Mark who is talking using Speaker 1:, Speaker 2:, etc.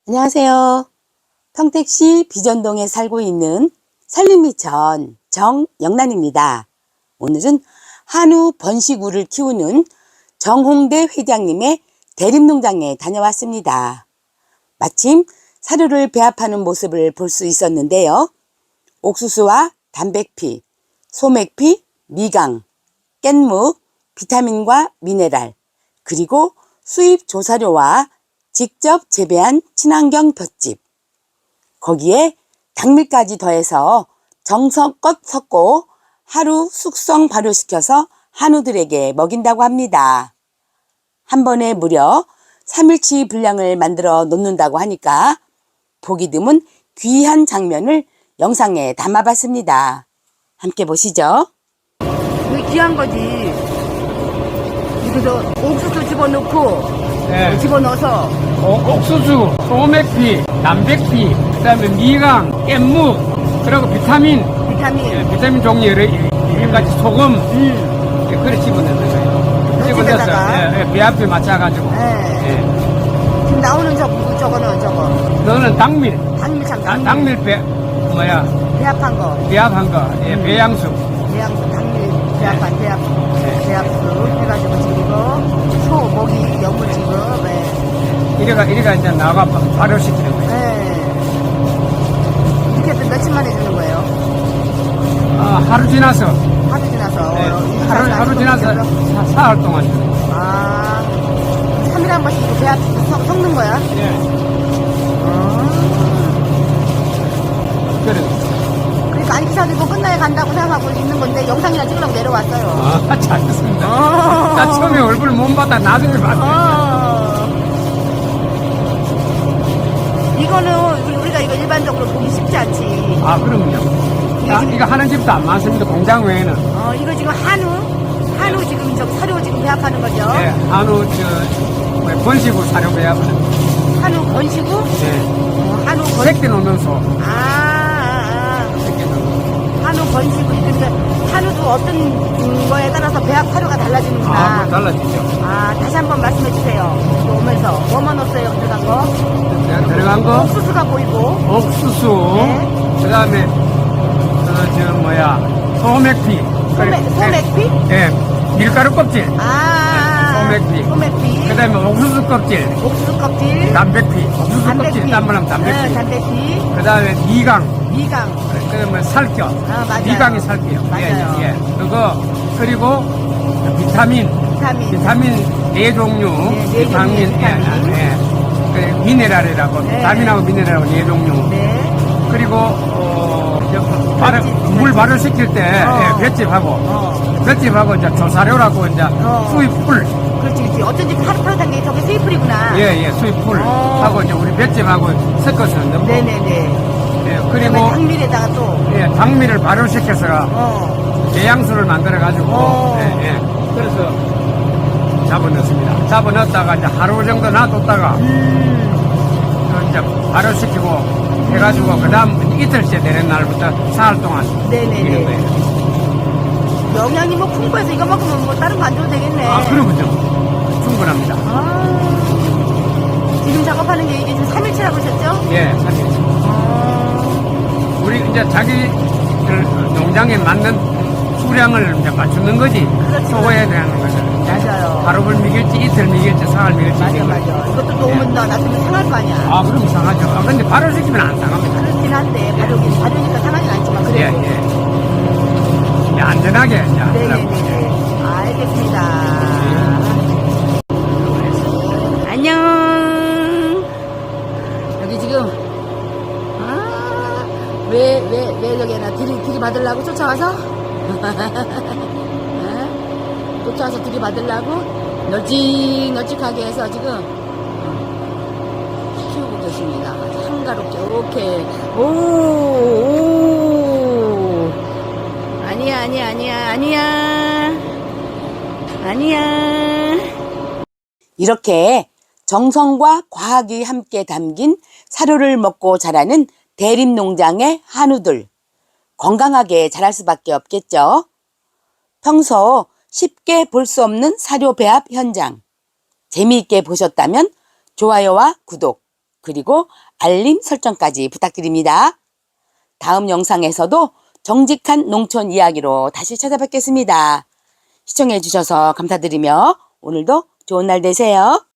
Speaker 1: 안녕하세요. 평택시 비전동에 살고 있는 산림미천 정영란입니다. 오늘은 한우 번식우를 키우는 정홍대 회장님의 대림농장에 다녀왔습니다. 마침 사료를 배합하는 모습을 볼 수 있었는데요. 옥수수와 단백피, 소맥피, 미강, 깻묵, 비타민과 미네랄, 그리고 수입 조사료와 직접 재배한 친환경 볏짚, 거기에 당밀까지 더해서 정성껏 섞고 하루 숙성 발효시켜서 한우들에게 먹인다고 합니다. 한 번에 무려 3일치 분량을 만들어 놓는다고 하니까 보기 드문 귀한 장면을 영상에 담아봤습니다. 함께 보시죠.
Speaker 2: 이게 귀한 거지. 여기서 옥수수 집어넣고,
Speaker 3: 네.
Speaker 2: 집어넣어서,
Speaker 3: 옥수수, 소맥피, 남백피, 그다음에 미강, 깻묵, 그리고 비타민 종류 여러 가지 소금, 그래 집어넣는 거예요. 집어넣어서 배합에 맞춰가지고.
Speaker 2: 지금 나오는 저거는
Speaker 3: 너는 당밀, 당밀
Speaker 2: 배합한 거.
Speaker 3: 배합한 거, 배양수.
Speaker 2: 당밀 배합한 배합수 해가지고 지금 소, 모기, 염을 지금,
Speaker 3: 이래가 이제 나가 발효시키는 거예요.
Speaker 2: 이렇게 해서 며칠 만에 주는 거예요?
Speaker 3: 하루 지나서. 하루 지나서 사흘 동안.
Speaker 2: 3일에 한 번씩 이거 배합 섞는 거야?
Speaker 3: 그래.
Speaker 2: 그러니까 안기사들고 끝나야 간다고 생각하고 있는 건데 영상이나 찍으려고 내려왔어요.
Speaker 3: 잘했습니다. 나 처음에 얼굴 못 봤다 나중에 봤어.
Speaker 2: 이거는 우리가 이거 일반적으로 보기 쉽지 않지.
Speaker 3: 그럼요. 이거 하는 집도 안 많습니다. 공장 외에는.
Speaker 2: 이거 지금 한우 지금 사료 지금 배합하는 거죠?
Speaker 3: 네, 한우 번식우 사료 배합하는.
Speaker 2: 한우 번식우?
Speaker 3: 네.
Speaker 2: 한우 번식우.
Speaker 3: 새끼 놓는 소. 새끼 놓는.
Speaker 2: 한우 번식우. 그러니까 한우도 어떤 거에 따라서 배합 사료가 달라지는구나.
Speaker 3: 달라지죠.
Speaker 2: 다시 한번 말씀해 주세요. 오면서 뭐만 넣었어요? 들어간 거?
Speaker 3: 네, 들어간 거.
Speaker 2: 옥수수가 보이고.
Speaker 3: 옥수수.
Speaker 2: 네.
Speaker 3: 그 다음에 소맥피.
Speaker 2: 소맥피?
Speaker 3: 네. 밀가루 껍질.
Speaker 2: 소맥피.
Speaker 3: 그 다음에 옥수수 껍질. 단백피. 옥수수 껍질 딴말하면 단백피.
Speaker 2: 단백피.
Speaker 3: 그 다음에 미강.
Speaker 2: 그
Speaker 3: 다음에 살겨.
Speaker 2: 맞아요.
Speaker 3: 미강이 살겨요.
Speaker 2: 맞아요.
Speaker 3: 그리고 비타민 4종류. 비타민. 미네랄이라고. 비타민하고 미네랄하고 4종류.
Speaker 2: 네.
Speaker 3: 그리고 물 발효시킬 때 볏짚하고 이제 조사료라고 이제 수입풀.
Speaker 2: 그렇지. 어쩐지 파릇파릇한 게 저게 수입풀이구나.
Speaker 3: 수입풀 하고 이제 우리 볏짚하고 섞어서 넣고.
Speaker 2: 네네네.
Speaker 3: 그리고
Speaker 2: 당밀에다가 또.
Speaker 3: 당밀을 발효시켜서 배양수를 만들어가지고. 그래서 잡아넣습니다. 잡아넣었다가 이제 하루 정도 놔뒀다가 이제 발효시키고 해가지고 그 다음 이틀째 되는 날부터 사흘 동안
Speaker 2: 네네네.
Speaker 3: 먹이는 거예요.
Speaker 2: 영양이 풍부해서 이거 먹으면 뭐 다른 거 안 줘도 되겠네.
Speaker 3: 그러군요. 충분합니다.
Speaker 2: 지금 작업하는 게 이게 지금 3일치라고 하셨죠?
Speaker 3: 3일째. 우리 이제 자기 농장에 맞는 수량을 이제 맞추는 거지.
Speaker 2: 그렇죠.
Speaker 3: 소거해야 되는 거죠.
Speaker 2: 맞아요.
Speaker 3: 하루를 미길지 이틀 미길지 사흘 미길지.
Speaker 2: 맞아. 이것도 너무 놔두면 상할 거 아니야.
Speaker 3: 그럼 상하죠. 근데 발효시키면 안 상합니다.
Speaker 2: 그렇긴 한데 발효니까 상하진 않지만 그래도.
Speaker 3: 안전하게 이제.
Speaker 2: 네네네. 알겠습니다. 안녕. 여기 지금 왜 여기나 들이받으려고 쫓아와서? 쫓아와서 들이받으려고 널찍널찍하게 해서 지금 키우고 계십니다. 한가롭게. 오케이. 오. 아니야.
Speaker 1: 이렇게 정성과 과학이 함께 담긴 사료를 먹고 자라는 대림농장의 한우들. 건강하게 자랄 수밖에 없겠죠. 평소 쉽게 볼 수 없는 사료 배합 현장. 재미있게 보셨다면 좋아요와 구독, 그리고 알림 설정까지 부탁드립니다. 다음 영상에서도 정직한 농촌 이야기로 다시 찾아뵙겠습니다. 시청해 주셔서 감사드리며 오늘도 좋은 날 되세요.